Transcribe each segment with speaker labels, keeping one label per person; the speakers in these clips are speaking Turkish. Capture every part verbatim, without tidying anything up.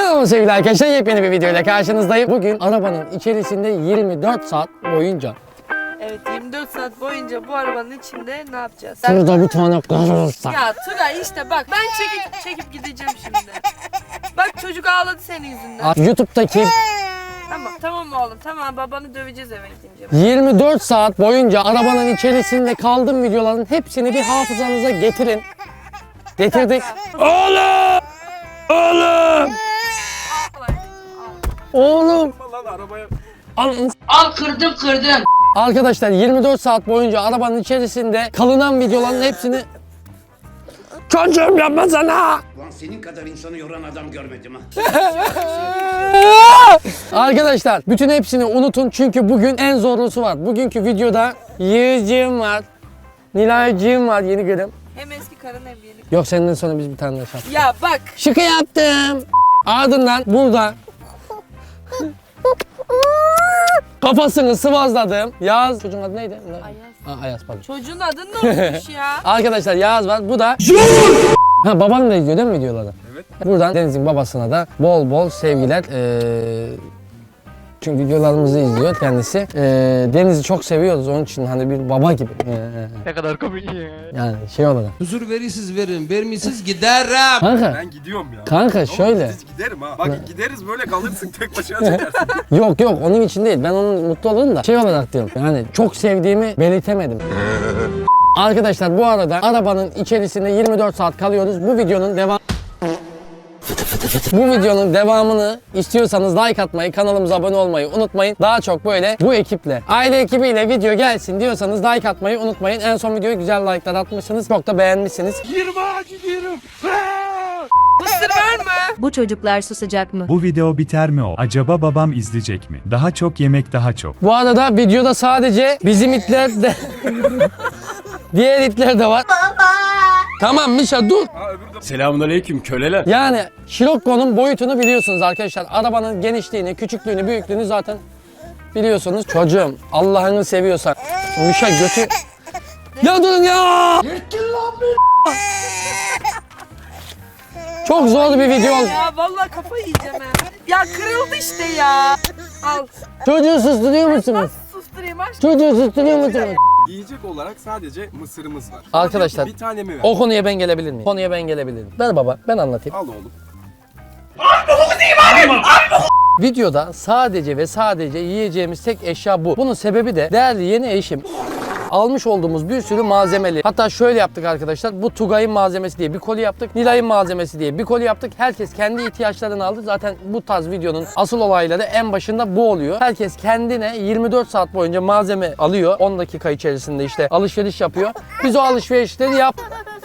Speaker 1: Merhaba sevgili arkadaşlar, yepyeni bir videoyla karşınızdayım. Bugün arabanın içerisinde yirmi dört saat boyunca.
Speaker 2: Evet, yirmi dört saat boyunca bu arabanın içinde ne yapacağız?
Speaker 1: Burada bir tane kalırsa.
Speaker 2: Ya Tugay işte bak, ben çekip çekip gideceğim şimdi. Bak çocuk ağladı senin yüzünden.
Speaker 1: YouTube'daki
Speaker 2: Tamam tamam oğlum, tamam, babanı döveceğiz eve gidince.
Speaker 1: yirmi dört saat boyunca arabanın içerisinde kaldığım videoların hepsini bir hafızanıza getirin. Getirdik. Oğlum! Oğlum! Oğlum! Al,
Speaker 3: Al kırdım kırdım.
Speaker 1: Arkadaşlar yirmi dört saat boyunca arabanın içerisinde kalınan videoların hepsini... Çocuğum yapma sana!
Speaker 4: Lan senin kadar insanı yoran adam görmedim ha.
Speaker 1: Arkadaşlar bütün hepsini unutun çünkü bugün en zorlusu var. Bugünkü videoda Yiğit'ciğim var, Nilay'cığım var, yeni gülüm.
Speaker 2: Hem eski karın hem yeni.
Speaker 1: Yok, senden sonra biz bir tane daha şarkı.
Speaker 2: Ya bak.
Speaker 1: Şıkı yaptım. Ardından burada kafasını sıvazladım. Yağız. Çocuğun adı neydi?
Speaker 2: Ayaz.
Speaker 1: Aa, Ayaz pardon.
Speaker 2: Çocuğun adı ne olmuş ya?
Speaker 1: Arkadaşlar Yağız var. Bu da Ha, baban da izliyor değil mi videoları? Evet. Buradan Deniz'in babasına da bol bol sevgiler. Ee, çünkü videolarımızı izliyor kendisi. Ee, Deniz'i çok seviyoruz, onun için hani bir baba gibi. Ee,
Speaker 5: Ne kadar komik ya.
Speaker 1: yani şey olarak.
Speaker 6: Huzur verirsiniz verin, vermişsiz giderim.
Speaker 1: Kanka.
Speaker 7: Ben gidiyorum ya.
Speaker 1: Kanka
Speaker 7: Oğlum,
Speaker 1: şöyle.
Speaker 7: Hiç giderim ha. Bak gideriz böyle kalırsın tek başına çekersin.
Speaker 1: Yok yok, onun için değil. Ben onun mutlu olurum da şey olarak diyorum. Yani çok sevdiğimi belirtemedim. Arkadaşlar bu arada arabanın içerisinde yirmi dört saat kalıyoruz. Bu videonun devam Bu videonun devamını istiyorsanız like atmayı, kanalımıza abone olmayı unutmayın. Daha çok böyle bu ekiple, aile ekibiyle video gelsin diyorsanız like atmayı unutmayın. En son videoya güzel like'lar atmışsınız. Çok da beğenmişsiniz.
Speaker 2: Mısır var mı?
Speaker 8: Bu çocuklar susacak mı?
Speaker 9: Bu video biter mi o? Acaba babam izleyecek mi? Daha çok yemek daha çok.
Speaker 1: Bu arada videoda sadece bizim itler de diğer itler de var. Tamam Mişa dur.
Speaker 7: Selamünaleyküm köleler.
Speaker 1: Yani Scirocco'nun boyutunu biliyorsunuz arkadaşlar. Arabanın genişliğini, küçüklüğünü, büyüklüğünü zaten biliyorsunuz. Çocuğum Allah'ını seviyorsan Mişa götü... Ya durun ya! Çok zor bir video oldu.
Speaker 2: Ya vallahi kafayı yiyeceğim ha. Ya kırıldı işte ya. Al.
Speaker 1: Çocuğu susturuyor musunuz?
Speaker 2: Nasıl susturayım aşkım?
Speaker 1: Çocuğu susturuyor musunuz?
Speaker 7: Yiyecek olarak sadece mısırımız var.
Speaker 1: Arkadaşlar,
Speaker 7: Bir tane mi ver?
Speaker 1: o konuya ben gelebilir miyim? Konuya ben gelebilir miyim? Ver baba, ben anlatayım.
Speaker 7: Al oğlum.
Speaker 1: Videoda sadece ve sadece yiyeceğimiz tek eşya bu. Bunun sebebi de değerli yeni eşim almış olduğumuz bir sürü malzemeli. Hatta şöyle yaptık arkadaşlar. Bu Tugay'ın malzemesi diye bir koli yaptık. Nilay'ın malzemesi diye bir koli yaptık. Herkes kendi ihtiyaçlarını aldı. Zaten bu tarz videonun asıl olayları en başında bu oluyor. Herkes kendine yirmi dört saat boyunca malzeme alıyor. on dakika içerisinde işte alışveriş yapıyor. Biz o alışverişleri yap.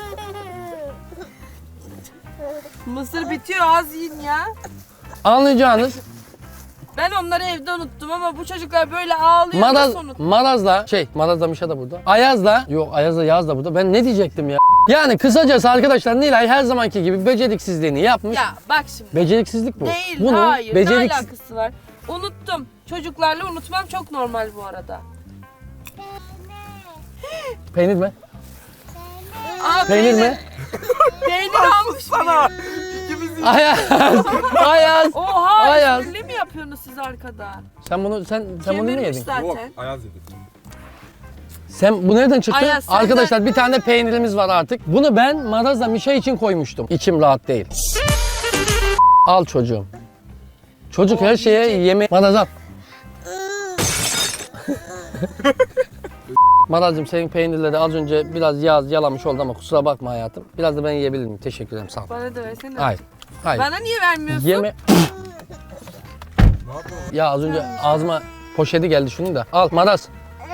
Speaker 2: Mısır bitiyor, az yiyin ya.
Speaker 1: Anlayacağınız
Speaker 2: Ben onları evde unuttum ama bu çocuklar böyle ağlıyor.
Speaker 1: Maraz,
Speaker 2: Nasıl unuttum?
Speaker 1: Maraz'la şey Maraz'la Mişa da burada. Ayaz'la yok Ayaz'la Yağız da burada. Ben ne diyecektim ya? Yani kısacası arkadaşlar Nilay her zamanki gibi beceriksizliğini yapmış.
Speaker 2: Ya bak şimdi.
Speaker 1: Beceriksizlik bu.
Speaker 2: Değil,
Speaker 1: Bunun
Speaker 2: hayır.
Speaker 1: beceriks-
Speaker 2: Ne alakası var? Unuttum. Çocuklarla unutmam çok normal bu arada.
Speaker 1: Peynir mi?
Speaker 2: Aa,
Speaker 1: Peynir mi?
Speaker 2: Peynir almış sana.
Speaker 1: Ayaz. Ayaz.
Speaker 2: Oha,
Speaker 1: Ayaz.
Speaker 2: esprili mi yapıyorsunuz siz arkada?
Speaker 1: Sen bunu sen sen bunu ne
Speaker 2: Kemirmiş
Speaker 1: yedin?
Speaker 2: zaten.
Speaker 7: Yok Ayaz dedi.
Speaker 1: Sen bu nereden çıktı?
Speaker 2: Ayaz, senden-
Speaker 1: Arkadaşlar bir tane peynirimiz var artık. Bunu ben Maraz'la Mişa için koymuştum. İçim rahat değil. Al çocuğum. Çocuk her şeye yeme... Maraz al. Maraz'cığım senin peynirleri az önce biraz yağ yalamış oldu ama kusura bakma hayatım. Biraz da ben yiyebilir miyim? Teşekkür ederim, sağ ol.
Speaker 2: Bana da versene.
Speaker 1: Hayır. Hayır.
Speaker 2: Bana niye vermiyorsun?
Speaker 1: Yeme... Ya az önce ağzıma poşeti geldi şunun da. Al Maraz.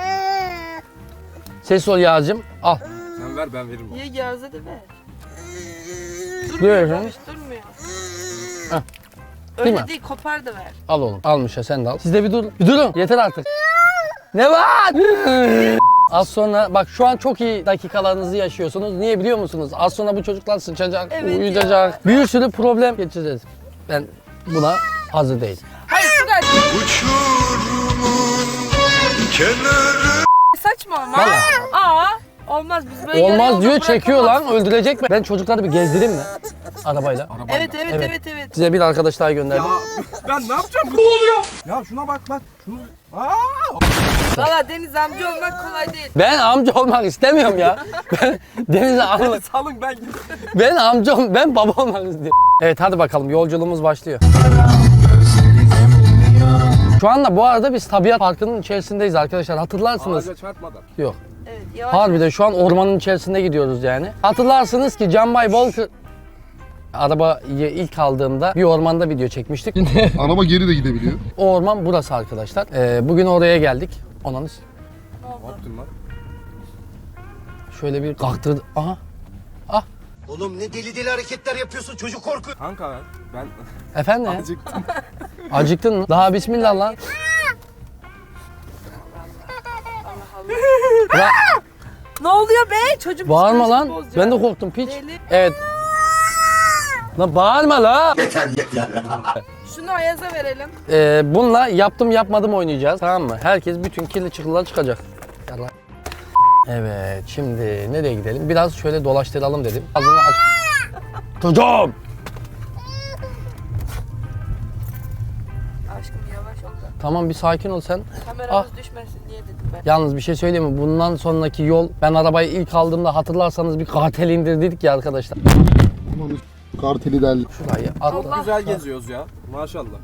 Speaker 1: Ses ol Yağcığım. Al.
Speaker 7: Sen ver ben veririm.
Speaker 2: Ye Yağız'a da ver.
Speaker 1: Buyur
Speaker 2: Durmuyor,
Speaker 1: efendim.
Speaker 2: hiç durmuyor.
Speaker 1: Heh.
Speaker 2: Öyle
Speaker 1: Değil mi?
Speaker 2: değil, kopar da ver.
Speaker 1: Al oğlum. Almış ya, sen de al. Siz de bir durun. Bir durun. Yeter artık. Ne var? Az sonra bak şu an çok iyi dakikalarınızı yaşıyorsunuz. Niye biliyor musunuz? Az sonra bu çocuklar sıçacak,
Speaker 2: Evet
Speaker 1: uyuyacak. Bir sürü problem geçeceğiz. Ben buna hazır değilim.
Speaker 2: Hayır Tugay. Saçmalama.
Speaker 1: Vallahi.
Speaker 2: Aa. Olmaz biz böyle yarı
Speaker 1: Olmaz
Speaker 2: yolda
Speaker 1: diyor, çekiyor lan,
Speaker 2: bırakamazsın.
Speaker 1: öldürecek mi? Ben çocukları bir gezdireyim mi? Arabayla.
Speaker 2: Evet evet
Speaker 1: Evet.
Speaker 2: evet evet.
Speaker 1: Size bir arkadaş daha gönderdim.
Speaker 7: Ben ne yapacağım? Ne oluyor? Ya şuna bak bak. Şunu... Aa!
Speaker 2: Valla Deniz amca olmak kolay değil.
Speaker 1: Ben amca olmak istemiyorum ya. Ben Deniz'e amca,
Speaker 7: Salın ben gidiyorum.
Speaker 1: ben amca ol- ben baba olmak istiyorum. Evet hadi bakalım, yolculuğumuz başlıyor. Şu anda bu arada biz tabiat parkının içerisindeyiz arkadaşlar, hatırlarsınız.
Speaker 7: Ağaca çarpmadan.
Speaker 1: Yok.
Speaker 2: Evet yavaş.
Speaker 1: Harbiden şu an ormanın içerisinde gidiyoruz yani. Hatırlarsınız ki Canbay Bolkır arabayı ilk aldığımda bir ormanda video çekmiştik.
Speaker 5: Araba geri de gidebiliyor.
Speaker 1: O orman burası arkadaşlar. Ee, bugün oraya geldik. Onanız.
Speaker 7: Ne yaptın lan?
Speaker 1: Şöyle bir kalktırdı. Aha.
Speaker 4: Oğlum ne deli deli hareketler yapıyorsun, çocuk korkuyor.
Speaker 7: Kanka ben, ben
Speaker 1: Efendim?
Speaker 7: acıktım.
Speaker 1: Acıktın mı? Daha bismillah lan. Ulan
Speaker 2: Ne oluyor be? Çocuk
Speaker 1: bağırma
Speaker 2: psikolojisi
Speaker 1: lan.
Speaker 2: bozuyor.
Speaker 1: Ben de korktum piç.
Speaker 2: Deli.
Speaker 1: Evet. Lan bağırma la.
Speaker 2: Şunu Ayaz'a verelim.
Speaker 1: Ee, bununla yaptım yapmadım oynayacağız, tamam mı? Herkes bütün kirli çıkılar çıkacak. Yallah. Evet, şimdi nereye gidelim? Biraz şöyle dolaştıralım dedim. Ağzını aç. Çocuğum.
Speaker 2: Aşkım yavaş ol da.
Speaker 1: Tamam bir sakin ol sen.
Speaker 2: Kameramız
Speaker 1: Ah.
Speaker 2: düşmesin diye dedim ben.
Speaker 1: Yalnız bir şey söyleyeyim mi? Bundan sonraki yol, ben arabayı ilk aldığımda hatırlarsanız bir kartel indirdik ya arkadaşlar.
Speaker 5: Aman karteli derli.
Speaker 1: Şurayı at.
Speaker 2: Allah.
Speaker 7: Güzel geziyoruz ya. Maşallah.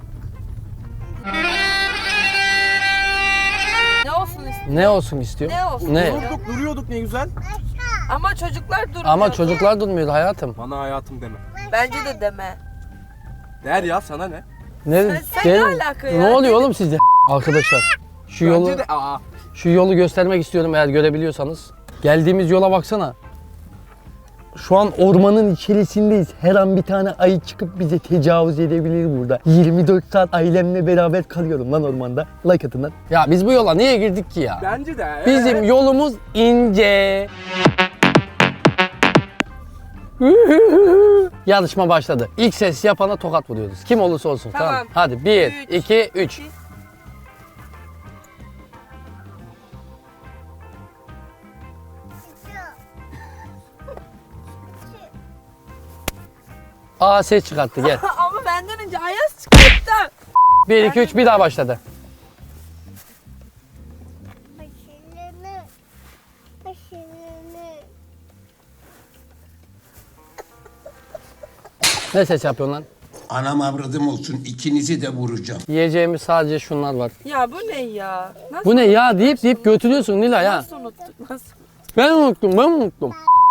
Speaker 2: Ne olsun istiyor?
Speaker 1: Ne olsun istiyor?
Speaker 2: Ne olsun?
Speaker 1: Ne?
Speaker 7: Durduk duruyorduk ne güzel.
Speaker 2: Ama çocuklar durmuyor.
Speaker 1: Ama çocuklar durmuyordu hayatım.
Speaker 7: Bana hayatım deme.
Speaker 2: Bence de deme.
Speaker 7: Der ya sana ne?
Speaker 1: Ne,
Speaker 2: Sen- sen ne
Speaker 1: Gel-
Speaker 2: alaka ya?
Speaker 1: Ne oluyor oğlum sizde? Arkadaşlar şu yolu
Speaker 7: Bence de aa.
Speaker 1: şu yolu göstermek istiyorum eğer görebiliyorsanız. Geldiğimiz yola baksana. Şu an ormanın içerisindeyiz. Her an bir tane ayı çıkıp bize tecavüz edebilir burada. yirmi dört saat ailemle beraber kalıyorum lan ormanda. Like atın lan. Ya biz bu yola niye girdik ki ya?
Speaker 7: Bence de.
Speaker 1: Bizim yolumuz ince. Yarışma başladı. İlk ses yapana tokat vuruyoruz. Kim olursa olsun. Tamam.
Speaker 2: Tamam.
Speaker 1: Hadi bir,
Speaker 2: Üç,
Speaker 1: iki, üç.
Speaker 2: iki.
Speaker 1: Aa ses çıkarttı gel.
Speaker 2: Ama benden önce Ayaz çıkarttı.
Speaker 1: bir, iki, üç bir daha başladı.
Speaker 8: Başını, başını.
Speaker 1: Ne ses yapıyorsun lan?
Speaker 4: Anam avradım olsun, ikinizi de vuracağım.
Speaker 1: Yiyeceğimiz sadece şunlar var.
Speaker 2: Ya bu ne ya? Nasıl,
Speaker 1: Bu ne ya deyip deyip götürüyorsun Nilay ha.
Speaker 2: nasıl unuttuk? Nasıl?
Speaker 1: Ben unuttum ben unuttum.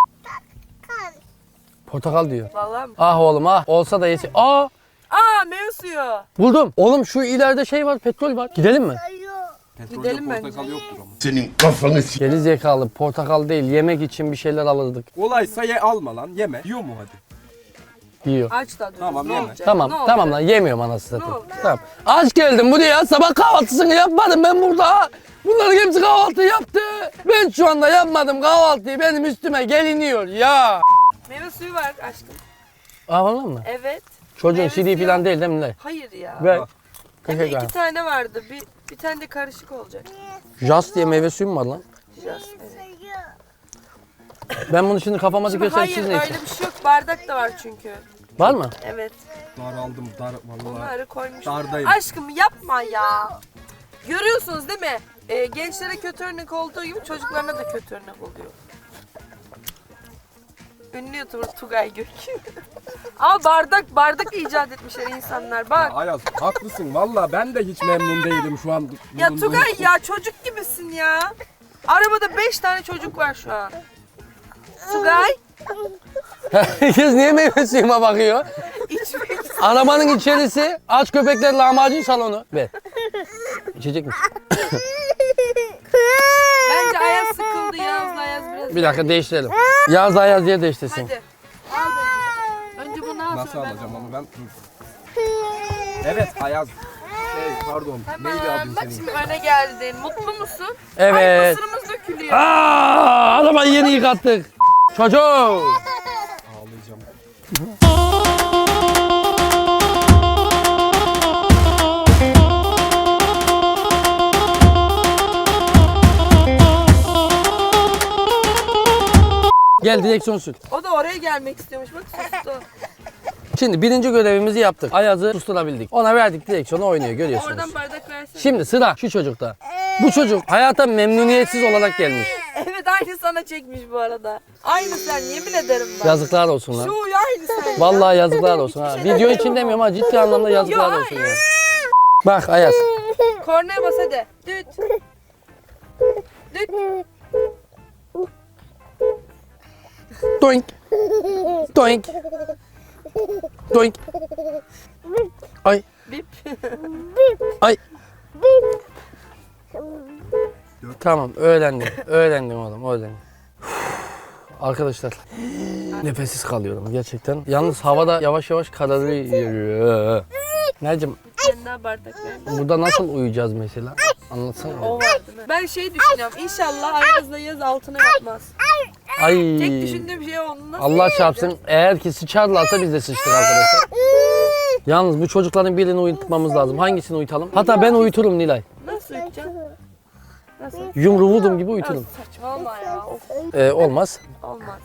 Speaker 1: Portakal diyor.
Speaker 2: Vallahi mi?
Speaker 1: Ah oğlum ah. Olsa da yesi. Aa
Speaker 2: Aa meyve suyu.
Speaker 1: buldum. Oğlum şu ileride şey var, petrol var. Gidelim mi?
Speaker 7: Petrolde
Speaker 2: Gidelim bence.
Speaker 7: portakal yoktur ama.
Speaker 4: Senin kafanı s***.
Speaker 1: Geri zekalı, portakal değil, yemek için bir şeyler alırdık.
Speaker 7: Olaysa ye alma lan yeme. Yiyor mu hadi?
Speaker 1: Yiyor.
Speaker 2: Aç da dur.
Speaker 7: Tamam,
Speaker 2: ne
Speaker 7: yeme.
Speaker 2: olacak?
Speaker 1: Tamam
Speaker 2: Ne
Speaker 1: tamam lan,
Speaker 2: olacak?
Speaker 1: yemiyorum anasını
Speaker 2: Ne
Speaker 1: satayım.
Speaker 2: oldu?
Speaker 1: Tamam. Aç geldim buraya, sabah kahvaltısını yapmadım ben burada. Bunların hepsi kahvaltı yaptı. Ben şu anda yapmadım kahvaltıyı, benim üstüme geliniyor ya.
Speaker 2: Meyve suyu var aşkım.
Speaker 1: Aa vallahi mı?
Speaker 2: Evet.
Speaker 1: Çocuğun
Speaker 2: Meyve
Speaker 1: C D
Speaker 2: suyu-
Speaker 1: falan değil değil mi Nilay?
Speaker 2: Hayır ya.
Speaker 1: Ver.
Speaker 7: Aa.
Speaker 2: Hem de
Speaker 1: Teşekkür
Speaker 2: iki
Speaker 1: ederim.
Speaker 2: tane vardı. Bir, bir tane de karışık olacak.
Speaker 1: Jas diye meyve suyu mu var lan?
Speaker 2: Biraz, evet.
Speaker 1: Ben bunu şimdi kafama
Speaker 2: Şimdi
Speaker 1: dikiyorsam
Speaker 2: hayır
Speaker 1: siz ne
Speaker 2: öyle
Speaker 1: için?
Speaker 2: bir şey yok. Bardak da var çünkü.
Speaker 1: Var mı?
Speaker 2: Evet.
Speaker 7: Dar aldım dar vallahi.
Speaker 2: Onları koymuş.
Speaker 7: Dardayım.
Speaker 2: Aşkım yapma ya. Görüyorsunuz değil mi? Ee, gençlere kötü örnek olduğu gibi çocuklarına da kötü örnek oluyor. Ünlü YouTuber Tugay Gök. Ama bardak bardak icat etmişler insanlar.
Speaker 7: Ya
Speaker 2: Bak.
Speaker 7: Ayaz haklısın valla ben de hiç memnun değilim şu an.
Speaker 2: Ya
Speaker 7: bulunduğum-
Speaker 2: Tugay ya çocuk gibisin ya. Arabada beş tane çocuk var şu an. Tugay
Speaker 1: Herkes niye meyve suyuma bakıyor?
Speaker 2: içmek.
Speaker 1: Arabanın içerisi aç köpekler lahmacun salonu. Ver. İçecek misin?
Speaker 2: Bence Ayaz sıkıldı Yağız'la Ayaz biraz.
Speaker 1: Bir dakika değiştirelim. Yaz Ayaz diye değiştirsin.
Speaker 2: Hadi. Al dedi. Önce bunu al
Speaker 7: Nasıl
Speaker 2: sonra ben.
Speaker 7: alacağım onu ben? Dur. Evet Ayaz. Şey pardon. Neydi
Speaker 2: Tamam.
Speaker 7: adın
Speaker 2: Bak
Speaker 7: senin?
Speaker 2: şimdi öne geldin. Mutlu musun? Ay
Speaker 1: Evet.
Speaker 2: mısırımız dökülüyor.
Speaker 1: Aa, arabayı yeni yıkattık. Çocuk.
Speaker 7: Ağlayacağım.
Speaker 1: Dur direksiyon sür.
Speaker 2: O da oraya gelmek istiyormuş. Bak sustu.
Speaker 1: Şimdi birinci görevimizi yaptık. Ayaz'ı susturabildik. Ona verdik direksiyonu oynuyor görüyorsunuz.
Speaker 2: Oradan bardak versene.
Speaker 1: Şimdi sıra şu çocukta. Bu çocuk hayata memnuniyetsiz olarak gelmiş.
Speaker 2: Evet aynı sana çekmiş bu arada. Aynı sen yemin ederim bak.
Speaker 1: Yazıklar olsun lan.
Speaker 2: Şu uyu aynı sen.
Speaker 1: Vallahi yazıklar olsun ha.
Speaker 2: Hiçbir şey
Speaker 1: Video
Speaker 2: demiyorum
Speaker 1: için demiyorum ha. Ciddi anlamda yazıklar
Speaker 2: Yok,
Speaker 1: olsun ya. Bak Ayaz.
Speaker 2: Kornaya bas hadi. Düt. Düt.
Speaker 1: Doink. Doink. Doink. Ay.
Speaker 2: Bip.
Speaker 1: Ay. Tamam öğrendim. Öğrendim oğlum öğrendim. Arkadaşlar nefessiz kalıyorum gerçekten. Yalnız havada yavaş yavaş kararıyor. Necim
Speaker 2: Sen daha bardak ver.
Speaker 1: burada nasıl uyuyacağız mesela? Anlatsana.
Speaker 2: O var değil mi? Ben şey düşünüyorum. İnşallah Ayaz'la yaz altına yapmaz.
Speaker 1: Ay.
Speaker 2: Tek düşündüğüm şey o. Nasıl
Speaker 1: Allah çarpsın eğer ki sıçarlarsa biz de sıçtık arkadaşlar. Yalnız bu çocukların birini uyutmamız lazım. Hangisini uyutalım? Hatta ben uyuturum Nilay.
Speaker 2: Nasıl uyutacaksın? Nasıl?
Speaker 1: Yumru vurdum gibi uyuturum.
Speaker 2: Saçmalama ya. Of,
Speaker 1: Ee, olmaz.
Speaker 2: olmaz.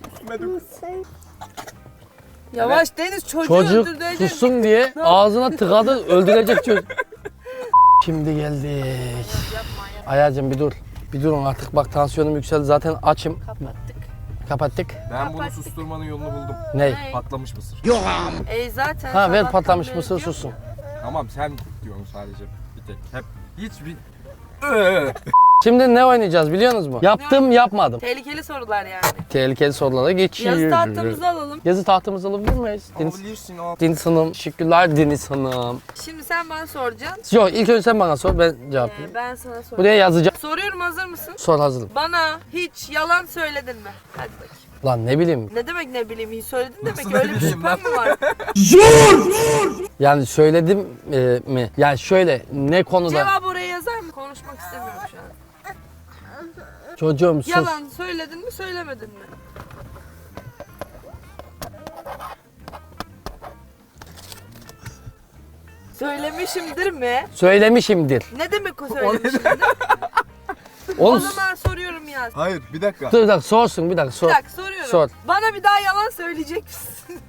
Speaker 2: Yavaş Deniz çocuğu
Speaker 1: Çocuk
Speaker 2: öldürecek.
Speaker 1: sussun diye ağzına tıkadı öldürecek çocuk. Şimdi geldik. Ayacım bir dur. Bir durun artık bak tansiyonum yükseldi zaten açım.
Speaker 2: Kapattık.
Speaker 1: Kapattık.
Speaker 7: Ben bunu susturmanın yolunu buldum.
Speaker 1: Ney?
Speaker 7: Patlamış mısır.
Speaker 2: E zaten.
Speaker 1: Ha ver
Speaker 2: sabahtan
Speaker 1: patlamış
Speaker 2: beri
Speaker 1: mısır
Speaker 2: diyor.
Speaker 1: sussun.
Speaker 7: Tamam sen diyorsun sadece bir tek. Hep hiçbir... Ee.
Speaker 1: Şimdi ne oynayacağız biliyor musunuz mu? Yaptım yapmadım.
Speaker 2: Tehlikeli sorular yani.
Speaker 1: Tehlikeli sorulara geçiyoruz.
Speaker 2: Yazı tahtımızı alalım.
Speaker 1: Yazı tahtımızı alabilir miyiz? Deniz,
Speaker 7: Alabilirsin o.
Speaker 1: Deniz Hanım. Teşekkürler Deniz Hanım.
Speaker 2: Şimdi sen bana soracaksın.
Speaker 1: Yok ilk önce sen bana sor ben cevap
Speaker 2: Ee,
Speaker 1: vereyim.
Speaker 2: ben sana sorayım.
Speaker 1: Buraya yazacağım.
Speaker 2: Soruyorum hazır mısın?
Speaker 1: Sor hazırım.
Speaker 2: Bana hiç yalan söyledin mi? Hadi bakayım.
Speaker 1: Lan ne bileyim.
Speaker 2: Ne demek ne bileyim iyi söyledin demek
Speaker 7: Nasıl
Speaker 2: ki öyle
Speaker 7: ne
Speaker 2: bir
Speaker 7: bileyim
Speaker 2: şüphen mi var?
Speaker 1: Yani söyledim e, mi? Yani şöyle ne konuda?
Speaker 2: Cevabı oraya yazar mı? Konuşmak istemiyorum şu an.
Speaker 1: Çocuğum sus.
Speaker 2: Yalan söyledin mi söylemedin mi? Söylemişimdir mi?
Speaker 1: Söylemişimdir.
Speaker 2: Ne demek o söylemişimdir? O
Speaker 1: Oğlum
Speaker 2: zaman soruyorum yaz.
Speaker 7: Hayır bir dakika.
Speaker 1: dur bir dakika sorsun bir dakika sor.
Speaker 2: Bir dakika soruyorum.
Speaker 1: Sor.
Speaker 2: Bana bir daha yalan söyleyecek misin?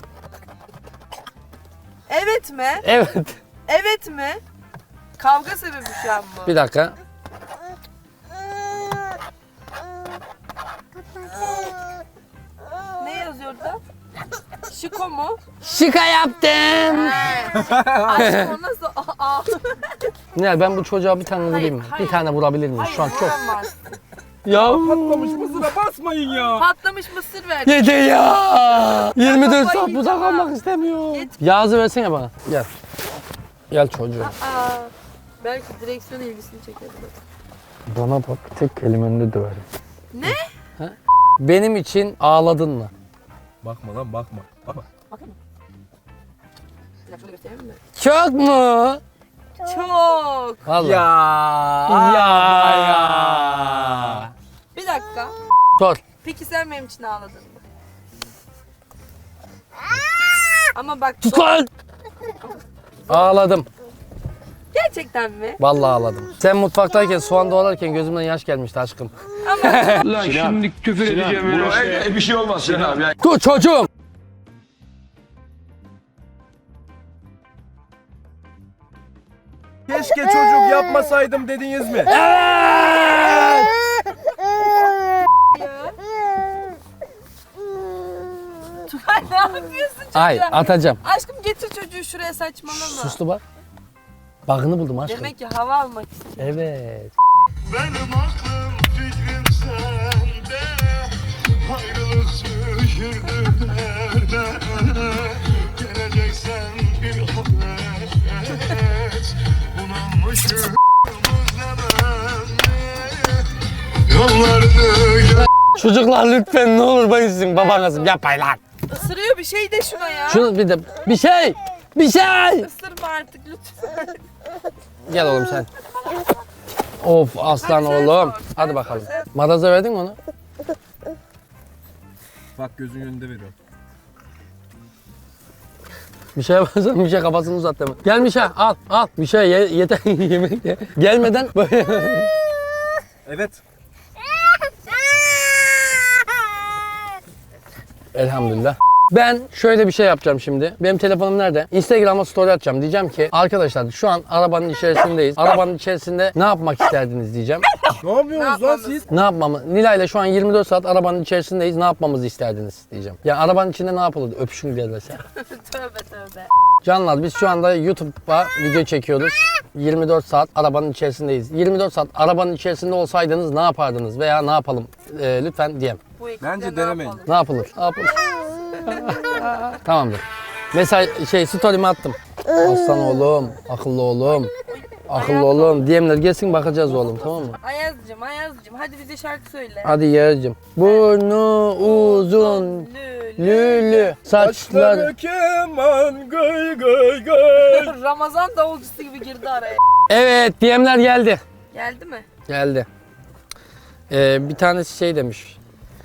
Speaker 2: Evet mi?
Speaker 1: Evet.
Speaker 2: Evet mi? Kavga sebebi şu an bu.
Speaker 1: Bir dakika.
Speaker 2: Ne yazıyor orada? Şiko mu?
Speaker 1: Şika yaptım.
Speaker 2: Aşkım o nasıl? Aa.
Speaker 1: Ne ben bu çocuğa bir tane vurayım mı?
Speaker 2: hayır.
Speaker 1: Bir tane vurabilir miyim?
Speaker 2: Hayır
Speaker 1: Şu an çok.
Speaker 2: vuramaz.
Speaker 1: Ya.
Speaker 7: Patlamış mısıra basmayın ya.
Speaker 2: Patlamış mısır ver.
Speaker 1: Yeter ya. yirmi dört saat
Speaker 2: Kafayı
Speaker 1: burada
Speaker 2: yiyeceğim
Speaker 1: kalmak
Speaker 2: ha.
Speaker 1: istemiyorum.
Speaker 2: Yet-
Speaker 1: Yağız'ı versene bana. Gel. Gel çocuğum.
Speaker 2: Aa. Belki direksiyon ilgisini çeker.
Speaker 1: Bana bak tek kelimenle döverim.
Speaker 2: Ne?
Speaker 1: Benim için ağladın mı?
Speaker 7: Bakma lan bakma. Bakma.
Speaker 2: Bakın. Bir dakika şunu göstereyim mi?
Speaker 1: Çok mu?
Speaker 2: Çok.
Speaker 1: Vallahi.
Speaker 7: Ya.
Speaker 1: Ya ya.
Speaker 2: Bir dakika.
Speaker 1: Sor.
Speaker 2: Peki sen benim için ağladın mı? Ama bak
Speaker 1: Sus lan. Ağladım.
Speaker 2: gerçekten mi?
Speaker 1: Vallahi ağladım. Sen mutfaktayken soğan doğrarken gözümden yaş gelmişti aşkım.
Speaker 10: Lan şimdi küfür edeceğim öyle. Bir şey olmaz Sinan abi.
Speaker 1: Dur çocuğum.
Speaker 7: Keşke çocuk yapmasaydım dediniz mi?
Speaker 2: Ya. Tugay ne yapıyorsun çocuğa?
Speaker 1: Ay atacağım.
Speaker 2: Aşkım getir çocuğu şuraya saçmalama.
Speaker 1: Suslu bak. Bug'ını buldum aşkım.
Speaker 2: Demek ki hava almak istiyor.
Speaker 1: Evet.
Speaker 10: Benim aklım fikrim sende. Ayrılık sürdü nerede? Geleceksen bir haber et. Bunalmışım Yollarda
Speaker 1: Çocuklar lütfen ne olur ben sizin babanızım yapmayın lan.
Speaker 2: Isırıyor bir şey de şuna ya.
Speaker 1: Şunu bir de bir şey. Bir şey.
Speaker 2: Isırma artık lütfen.
Speaker 1: Gel oğlum sen. Of aslan
Speaker 2: Hadi sen
Speaker 1: oğlum.
Speaker 2: sor.
Speaker 1: Hadi
Speaker 2: Sen
Speaker 1: bakalım.
Speaker 2: sor, sen.
Speaker 1: Madaza verdin mi onu?
Speaker 7: Bak gözün önünde veriyorum.
Speaker 1: Bir şey yaparsan bir şey kafasını uzat deme. Gel Mişe al al. Bir şey ye, yeter yemek ye. Gelmeden böyle.
Speaker 7: Evet.
Speaker 1: Elhamdülillah. Ben şöyle bir şey yapacağım şimdi. Benim telefonum nerede? Instagram'a story atacağım. Diyeceğim ki arkadaşlar şu an arabanın içerisindeyiz. Arabanın içerisinde ne yapmak isterdiniz diyeceğim.
Speaker 7: Ne yapıyorsunuz lan siz?
Speaker 1: Ne yapmamı? Nilay'la şu an yirmi dört saat arabanın içerisindeyiz. Ne yapmamızı isterdiniz diyeceğim. Ya arabanın içinde ne yapılırdı? Öpüşün gelirse.
Speaker 2: Tövbe tövbe.
Speaker 1: Canlar biz şu anda YouTube'a video çekiyoruz. yirmi dört saat arabanın içerisindeyiz. yirmi dört saat arabanın içerisinde olsaydınız ne yapardınız veya ne yapalım? Ee, lütfen diyem.
Speaker 2: Bu ekiple
Speaker 7: Bence
Speaker 2: ne
Speaker 7: denemeyin.
Speaker 2: yapalım?
Speaker 1: Ne yapılır? Ne yapılır? Tamamdır. Mesela şey story'mi attım. Aslan oğlum, akıllı oğlum, akıllı oğlum. D M'ler gelsin bakacağız oğlum, tamam mı?
Speaker 2: Ayaz'cım Ayaz'cım hadi bize şarkı söyle.
Speaker 1: Hadi Yağız'cığım. Burnu uzun,
Speaker 2: Lülü.
Speaker 1: lülü, saçları.
Speaker 7: keman gıy gıy gıy.
Speaker 2: Ramazan davulcusu gibi girdi araya.
Speaker 1: Evet, D M'ler geldi.
Speaker 2: Geldi mi?
Speaker 1: Geldi. Ee, bir tanesi şey demiş.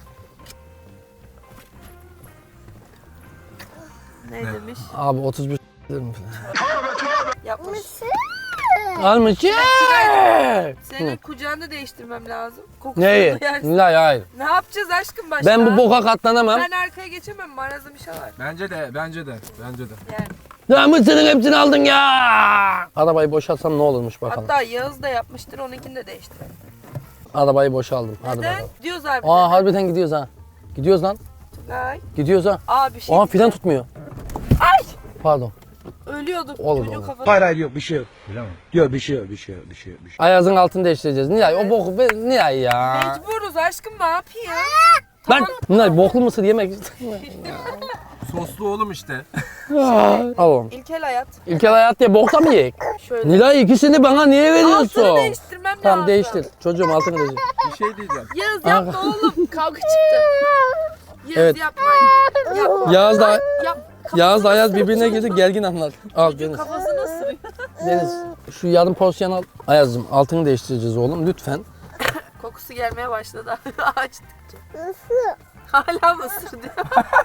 Speaker 2: Ne demiş?
Speaker 1: Abi otuz bir
Speaker 2: Yapmış.
Speaker 1: almış. Yeah!
Speaker 2: Senin kucağını değiştirmem lazım. Kokusunu
Speaker 1: Neyi?
Speaker 2: duyarsın.
Speaker 1: Hayır, hayır.
Speaker 2: Ne yapacağız aşkım başka?
Speaker 1: Ben bu boka katlanamam.
Speaker 2: Ben arkaya geçemem. Marazım işe var.
Speaker 7: Bence de, bence de, bence de.
Speaker 2: Yani.
Speaker 1: Ya mısırın hepsini aldın ya. Arabayı boşaltsam ne olurmuş bakalım.
Speaker 2: Hatta Yağız da yapmıştır. Onunkini de değiştirelim.
Speaker 1: Arabayı boşaldım. Hadi
Speaker 2: Neden?
Speaker 1: bakalım.
Speaker 2: Diyoruz abi.
Speaker 1: Aa harbiden gidiyoruz ha. Gidiyoruz lan.
Speaker 2: Ay.
Speaker 1: Gidiyoruz ha.
Speaker 2: Aa bir şey.
Speaker 1: Aa fren tutmuyor.
Speaker 2: Ay!
Speaker 1: Pardon.
Speaker 2: Ölüyorduk.
Speaker 1: Olur,
Speaker 2: Çocuğun
Speaker 1: olur.
Speaker 2: kafası.
Speaker 10: Hayır hayır yok bir şey yok. Yok bir şey yok bir şey yok bir şey yok. Bir şey.
Speaker 1: Ayazın altını değiştireceğiz. Nilay o boku be Nilay ya.
Speaker 2: Mecburuz aşkım ne yapayım?
Speaker 1: Ben Nilay boklu mısır yemek istemiyorum.
Speaker 7: Soslu oğlum işte.
Speaker 1: Al oğlum.
Speaker 2: İlkel hayat.
Speaker 1: İlkel hayat diye bokta mı yiyek?
Speaker 2: Şöyle.
Speaker 1: Nilay ikisini bana niye veriyorsun?
Speaker 2: Altını değiştirmem
Speaker 1: Tamam
Speaker 2: lazım.
Speaker 1: değiştir. Çocuğum altını değiştir.
Speaker 7: Bir şey diyeceğim.
Speaker 2: Yağız yapma oğlum. Kavga çıktı. Yağız
Speaker 1: Evet.
Speaker 2: yapma. Yapma.
Speaker 1: Yağız da
Speaker 2: Yap.
Speaker 1: Yağız da Ayaz birbirine girdi gergin anlar. Al Deniz.
Speaker 2: Kafasını ısırıyor.
Speaker 1: Deniz şu yarım porsiyon al. Ayaz'cığım altını değiştireceğiz oğlum lütfen.
Speaker 2: Kokusu gelmeye başladı açtıkça. Hala mı ısır diyor.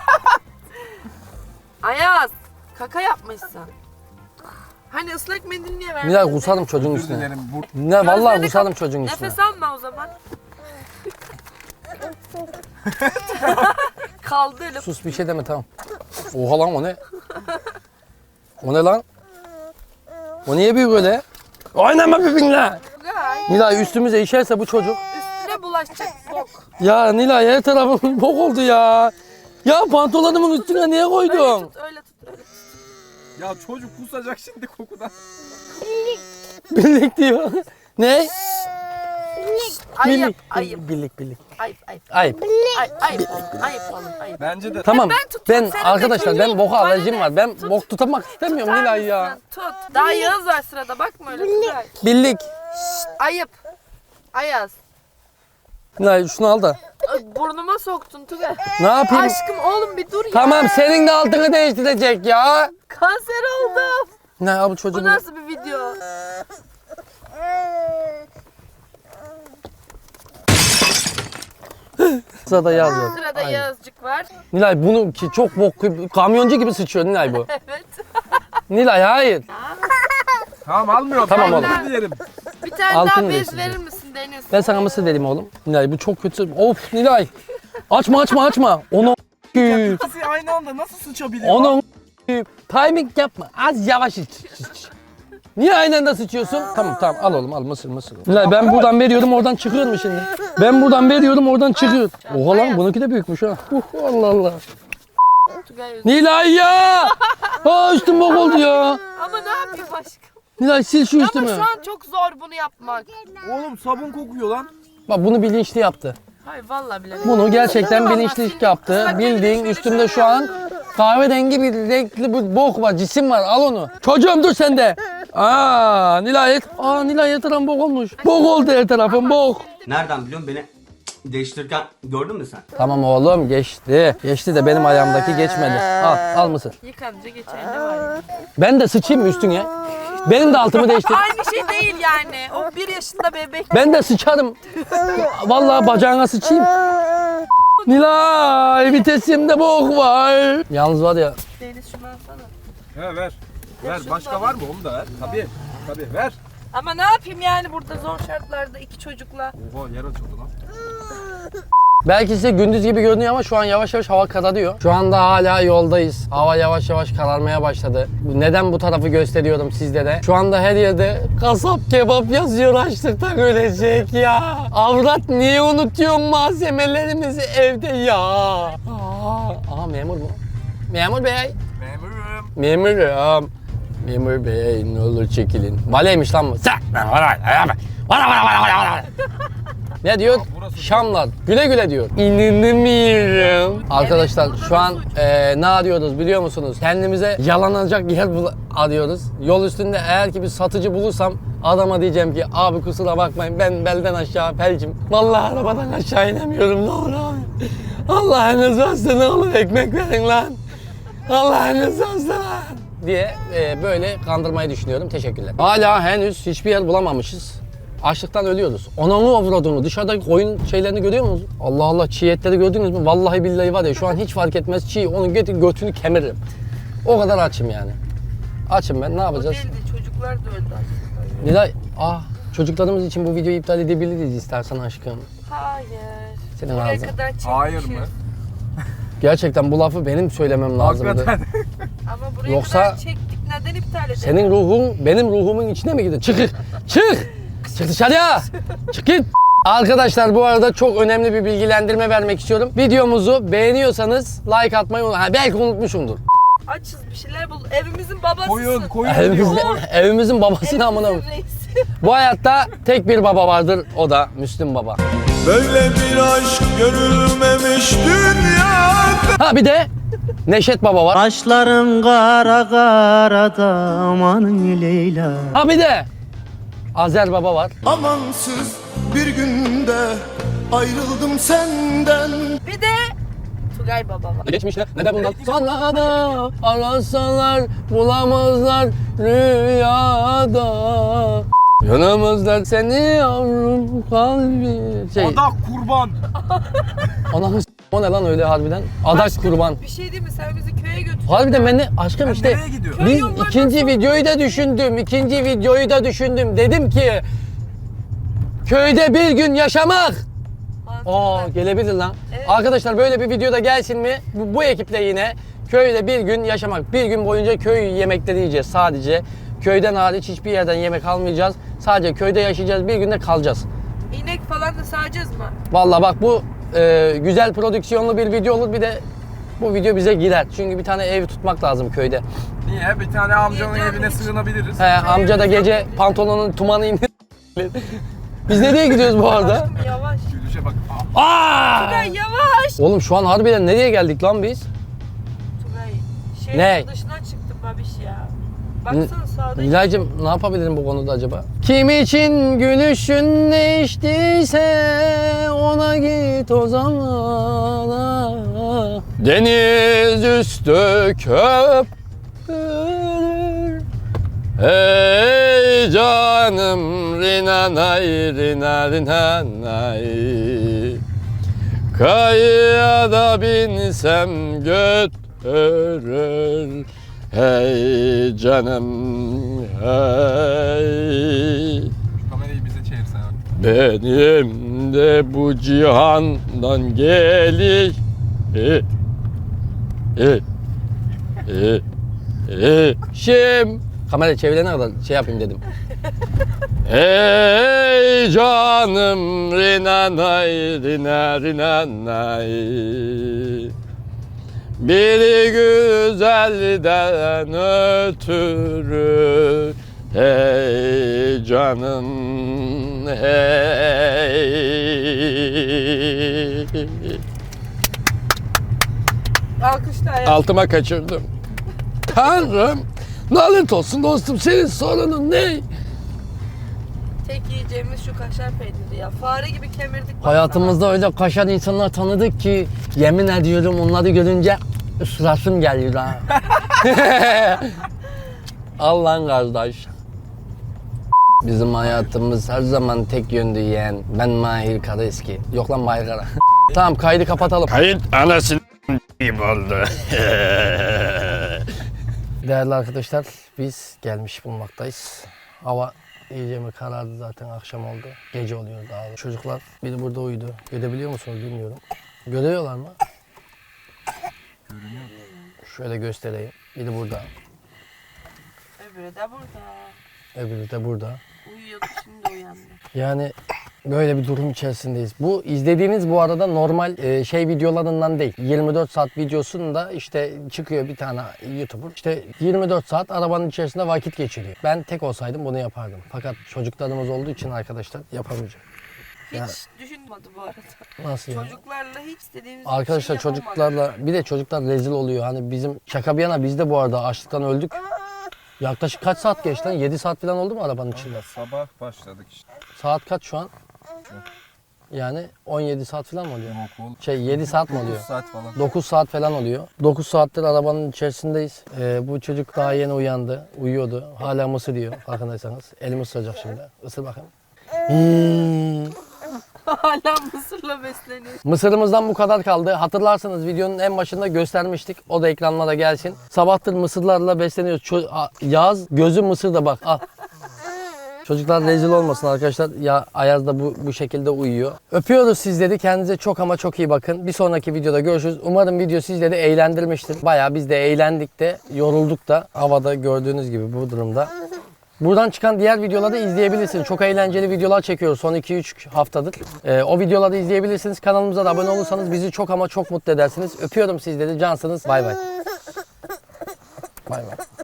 Speaker 2: Ayaz. Kaka yapmışsın. Hani ıslak mendil niye vermedin?
Speaker 1: Nilay kusarım çocuğun
Speaker 7: Özür
Speaker 1: üstüne.
Speaker 7: dilerim. Bu
Speaker 1: Nilay vallahi
Speaker 2: Gözlerini
Speaker 1: kusarım
Speaker 2: kap-
Speaker 1: çocuğun üstüne.
Speaker 2: Nefes alma o zaman. Kaldı elim.
Speaker 1: Sus bir şey deme tamam. Oha lan o ne? O ne lan? O niye büyük öyle? Oynama birbirine.
Speaker 2: Gay.
Speaker 1: Nilay üstümüze işerse bu çocuk.
Speaker 2: Üstüne bulaşacak bok.
Speaker 1: Ya Nilay her tarafım bok oldu ya. Ya pantolonumun üstüne niye
Speaker 2: Öyle
Speaker 1: koydun?
Speaker 2: tut, öyle tut, öyle tut.
Speaker 7: ya çocuk kusacak şimdi kokudan.
Speaker 1: Birlik diyor. Ne?
Speaker 2: Ayıp,
Speaker 1: Birlik.
Speaker 2: ayıp,
Speaker 1: Birlik birlik.
Speaker 2: ayıp, ayıp.
Speaker 1: Ayıp.
Speaker 2: Ayıp, ayıp oğlum, ayıp oğlum, ayıp.
Speaker 7: Bence de.
Speaker 1: Tamam.
Speaker 2: ben tutuyorum,
Speaker 1: Ben
Speaker 2: sen de
Speaker 1: arkadaşlar
Speaker 2: tut.
Speaker 1: ben boka
Speaker 2: Bana
Speaker 1: alerjim
Speaker 2: ne?
Speaker 1: var. Ben
Speaker 2: Tut.
Speaker 1: bok tutamak istemiyorum
Speaker 2: Tutar
Speaker 1: Nilay ya.
Speaker 2: mısın? Tut. Daha Yağız var sırada, bakma öyle. Tugay.
Speaker 1: Birlik.
Speaker 2: Ayıp. Ayaz.
Speaker 1: Nilay şunu al da.
Speaker 2: Ay, burnuma soktun Tugay.
Speaker 1: Ne yapayım?
Speaker 2: Aşkım oğlum bir dur ya.
Speaker 1: Tamam senin de altını değiştirecek ya.
Speaker 2: Kanser oldum.
Speaker 1: Ne ya bu çocuğu?
Speaker 2: Bu nasıl bir video?
Speaker 1: Sırada yazıyor.
Speaker 2: Sırada
Speaker 1: Aynen.
Speaker 2: Yağızcık var.
Speaker 1: Nilay bunu ki çok bok gibi- kamyoncu gibi sıçıyor Nilay bu.
Speaker 2: Evet.
Speaker 1: Nilay hayır.
Speaker 7: Tamam almıyorum.
Speaker 1: Tamam
Speaker 7: Ben
Speaker 1: oğlum.
Speaker 7: özür dilerim.
Speaker 2: Bir tane
Speaker 1: Altını
Speaker 2: daha bez
Speaker 1: değiştireceğim.
Speaker 2: verir misin Deniz?
Speaker 1: Ben sana mısır vereyim oğlum. Nilay bu çok kötü. Of Nilay. Açma açma açma. Onu
Speaker 7: İkisi aynı anda nasıl sıçabiliyor?
Speaker 1: Onu timing yapma. Az yavaş iç. Niye aynı anda sıçıyorsun? Tamam tamam al oğlum al mısır mısır. Nilay ben buradan veriyorum oradan çıkıyor mu şimdi? Ben buradan veriyorum oradan çıkıyor. Oha lan bununki de büyükmüş ha. Uh, Allah Allah.
Speaker 2: Tugay özür-
Speaker 1: Nilay ya. Aa üstüm bok oldu ya.
Speaker 2: Ama ne yapayım aşkım?
Speaker 1: Nilay sil şu
Speaker 2: Ama
Speaker 1: üstümü.
Speaker 2: şu an çok zor bunu yapmak.
Speaker 7: Oğlum sabun kokuyor lan.
Speaker 1: Bak bunu bilinçli yaptı.
Speaker 2: Hayır vallahi bile.
Speaker 1: Bunu gerçekten
Speaker 2: Vallahi
Speaker 1: bilinçli
Speaker 2: sildim.
Speaker 1: yaptı.
Speaker 2: Islak
Speaker 1: Bildiğin
Speaker 2: mendili
Speaker 1: üstümde
Speaker 2: şöyle
Speaker 1: şu an kahverengi bir renkli bir bok var, cisim var. Al onu. Çocuğum dur sen de. Aa Nilay, aa Nilay her tarafım bok olmuş. Bok oldu her tarafım bok.
Speaker 4: Nereden biliyorsun beni değiştirirken gördün mü sen?
Speaker 1: Tamam oğlum geçti. Geçti de benim ayağımdaki geçmedi. Al, al mısır.
Speaker 2: Yıkanınca geçer ne var ya?
Speaker 1: Ben de sıçayım mı üstüne? Benim de altımı değiştir.
Speaker 2: Aynı şey değil yani. O bir yaşında bebek.
Speaker 1: Ben de sıçarım. Vallahi bacağına sıçayım. Nilay vitesimde bok var. Yalnız var ya.
Speaker 2: Deniz şunu alsana.
Speaker 7: He ver. Ver. Başka var mı? Onu da ver. Tabii. Tabii ver.
Speaker 2: Ama ne yapayım yani burada zor şartlarda iki çocukla.
Speaker 7: Oha yer açıldı lan.
Speaker 1: Belki size gündüz gibi görünüyor ama şu an yavaş yavaş hava kararıyor. Şu anda hala yoldayız. Hava yavaş yavaş kararmaya başladı. Neden bu tarafı gösteriyorum sizlere? Şu anda her yerde kasap kebap yazıyor, açlıktan ölecek ya. Avrat niye unutuyorsun malzemelerimizi evde ya? Aa, aa memur mu? Memur bey.
Speaker 7: Memurum.
Speaker 1: Memurum. Memur bey ne olur çekilin. Valeymiş lan bu. Sen. Ne diyor? Şamlar. Güle güle diyor. İnanamıyorum. Arkadaşlar şu an e, ne arıyoruz biliyor musunuz? Kendimize yalanacak yer bul- arıyoruz. Yol üstünde eğer ki bir satıcı bulursam adama diyeceğim ki abi kusura bakmayın ben belden aşağı felcim. Vallahi arabadan aşağı inemiyorum ne olur abi. Allah'ınız varsa ne olur ekmek verin lan. Allah'ınız varsa diye e, böyle kandırmayı düşünüyorum. Teşekkürler. Hala henüz hiçbir yer bulamamışız. Açlıktan ölüyoruz. Ananı avradını dışarıdaki koyun şeylerini görüyor musunuz? Allah Allah çiğ etleri gördünüz mü? Vallahi billahi var ya şu an hiç fark etmez çiğ. Onun getir götünü kemiririm. O kadar açım yani. Açım ben ne
Speaker 2: O
Speaker 1: yapacağız?
Speaker 2: değildi, çocuklar da öldü aslında.
Speaker 1: Nilay ah çocuklarımız için bu videoyu iptal edebiliriz istersen aşkım.
Speaker 2: Hayır.
Speaker 1: Senin
Speaker 2: Buraya
Speaker 1: ağzın.
Speaker 2: kadar çekmişiz.
Speaker 7: Hayır mı?
Speaker 1: Gerçekten bu lafı benim söylemem lazımdı.
Speaker 7: Hakikaten.
Speaker 2: Ama buraya
Speaker 1: Yoksa-
Speaker 2: kadar çektik, neden iptal edelim?
Speaker 1: Senin ruhun benim ruhumun içine mi gidiyor? Çık! Çık! Çık dışarıya! Çık git! Arkadaşlar bu arada çok önemli bir bilgilendirme vermek istiyorum. Videomuzu beğeniyorsanız like atmayı unutmayın. Ha, belki unutmuşumdur.
Speaker 2: Açız bir şeyler bul. Evimizin babasısın.
Speaker 7: Koyun, koyun
Speaker 1: Evimizin,
Speaker 7: diyor.
Speaker 1: evimizin babasını amına.
Speaker 2: Evimizin reisi.
Speaker 1: Bu hayatta tek bir baba vardır. O da Müslüm Baba.
Speaker 10: Böyle bir aşk görülmemiş dünyada.
Speaker 1: Ha bir de Neşet Baba var.
Speaker 11: Kaşların kara kara da amanın Leyla.
Speaker 1: Ha bir de Azer Baba var.
Speaker 4: Amansız bir günde ayrıldım senden.
Speaker 2: Bir de Tugay baba var.
Speaker 1: Geçmişte ne de bundan sonra da arasalar bulamazlar rüyada. Yanımızda seni yavrum kalbi. Şey,
Speaker 7: Adak kurban.
Speaker 1: ananı s- o ne lan öyle harbiden? Adak kurban.
Speaker 2: Bir şey değil mi? Sen bizi köye götür.
Speaker 1: Harbiden ben de aşkım
Speaker 7: Ben
Speaker 1: işte
Speaker 7: nereye gidiyorum?
Speaker 1: biz
Speaker 2: Köy
Speaker 1: ikinci
Speaker 2: yollarına
Speaker 1: videoyu da düşündüm. ikinci videoyu da düşündüm. Dedim ki köyde bir gün yaşamak. Aa gelebilir lan.
Speaker 2: Evet.
Speaker 1: Arkadaşlar böyle bir videoda gelsin mi? Bu, bu ekiple yine köyde bir gün yaşamak. Bir gün boyunca köy yemekleri yiyeceğiz sadece. Köyden hariç hiçbir yerden yemek almayacağız. Sadece köyde yaşayacağız. Bir günde kalacağız.
Speaker 2: İnek falan da sağacağız mı?
Speaker 1: Vallahi bak bu e, güzel prodüksiyonlu bir video olur. Bir de bu video bize gider. Çünkü bir tane ev tutmak lazım köyde.
Speaker 7: Niye? Bir tane amcanın
Speaker 2: Niye
Speaker 7: evine
Speaker 2: canım?
Speaker 7: sığınabiliriz.
Speaker 1: He, amca da gece pantolonun tumanı indir. Biz nereye gidiyoruz bu arada?
Speaker 2: Aşkım yavaş.
Speaker 7: Gülüşe bak.
Speaker 1: Aa!
Speaker 2: Tugay yavaş.
Speaker 1: Oğlum şu an harbiden nereye geldik lan biz?
Speaker 2: Tugay. Şehrin
Speaker 1: Ne?
Speaker 2: dışına çıktı babiş ya. Baksana sağda.
Speaker 1: Nilay'cığım ne yapabilirim bu konuda acaba? Kim için gülüşün değiştiyse ona git o zaman. Deniz üstü köpürür. Hey canım rinanay rina rinanay. Kayaya binsem götürür. Hey canım hey.
Speaker 7: Kamerayı bize çevirsen.
Speaker 1: Benim de bu cihandan geliş e, e, e, e, şim. Kamera çevirene kadar şey yapayım dedim. Hey canım rinanay rina rinanay. Bir güzelden ötürü hey canım hey.
Speaker 2: Alkışla ya.
Speaker 1: Altıma kaçırdım. Tanrım lanet olsun dostum senin sorunun ne?
Speaker 2: Tek yiyeceğimiz şu kaşar peyniri ya. Fare gibi kemirdik. baksana.
Speaker 1: Hayatımızda öyle kaşar insanlar tanıdık ki yemin ediyorum onları görünce ısırasım geliyor ha. Allah'ın kardeş. Bizim hayatımız her zaman tek yönlü yeğen. Ben Mahir Karaeski. Yok lan Mahir Kara. Tamam kaydı kapatalım.
Speaker 10: Kayıt anasını gibi oldu.
Speaker 1: Değerli arkadaşlar biz gelmiş bulunmaktayız. Hava İyice mi karardı zaten, akşam oldu. Gece oluyor daha da. Çocuklar biri burada uyudu. Görebiliyor musunuz bilmiyorum. Görüyorlar mı? Görünüyor. Şöyle göstereyim. Biri burada.
Speaker 2: Öbürü de burada.
Speaker 1: Öbürü de burada.
Speaker 2: Uyuyordu şimdi uyandı.
Speaker 1: Yani böyle bir durum içerisindeyiz. Bu izlediğiniz bu arada normal e, şey videolarından değil. yirmi dört saat videosunda işte çıkıyor bir tane YouTuber. İşte yirmi dört saat arabanın içerisinde vakit geçiriyor. Ben tek olsaydım bunu yapardım. Fakat çocuklarımız olduğu için arkadaşlar yapamayacağım.
Speaker 2: Hiç
Speaker 1: Yani-
Speaker 2: düşünmedi bu arada.
Speaker 1: Nasıl yani?
Speaker 2: Çocuklarla hiç istediğimiz
Speaker 1: Arkadaşlar
Speaker 2: bir şey yapamadık.
Speaker 1: çocuklarla bir de çocuklar rezil oluyor. Hani bizim şaka bir yana biz de bu arada açlıktan öldük. Yaklaşık kaç saat geçti lan? yedi saat falan oldu mu arabanın içinde?
Speaker 7: Sabah başladık işte.
Speaker 1: Saat kaç şu an? Yani on yedi saat falan mı oluyor?
Speaker 7: Okul.
Speaker 1: Şey yedi saat mi oluyor?
Speaker 7: saat falan.
Speaker 1: dokuz saat falan oluyor. dokuz saattir arabanın içerisindeyiz. Ee, bu çocuk daha yeni uyandı. Uyuyordu. Hala mısır diyor farkındaysanız. Elimi ısıracak şimdi. Isır bakayım. Hmm.
Speaker 2: Hala mısırla besleniyor.
Speaker 1: Mısırımızdan bu kadar kaldı. Hatırlarsanız videonun en başında göstermiştik. O da ekranlara gelsin. Sabahtır mısırlarla besleniyoruz. Ço- A- Yaz gözü mısırda bak. Al. Çocuklar rezil olmasın arkadaşlar. Ya Ayaz da bu, bu şekilde uyuyor. Öpüyoruz sizleri. Kendinize çok ama çok iyi bakın. Bir sonraki videoda görüşürüz. Umarım video sizleri eğlendirmiştir. Bayağı biz de eğlendik de yorulduk da havada gördüğünüz gibi bu durumda. Buradan çıkan diğer videoları izleyebilirsiniz. Çok eğlenceli videolar çekiyoruz son iki üç haftadır. Ee, o videoları izleyebilirsiniz. Kanalımıza da abone olursanız bizi çok ama çok mutlu edersiniz. Öpüyorum sizleri. Cansınız. Bay bay. Bay bay.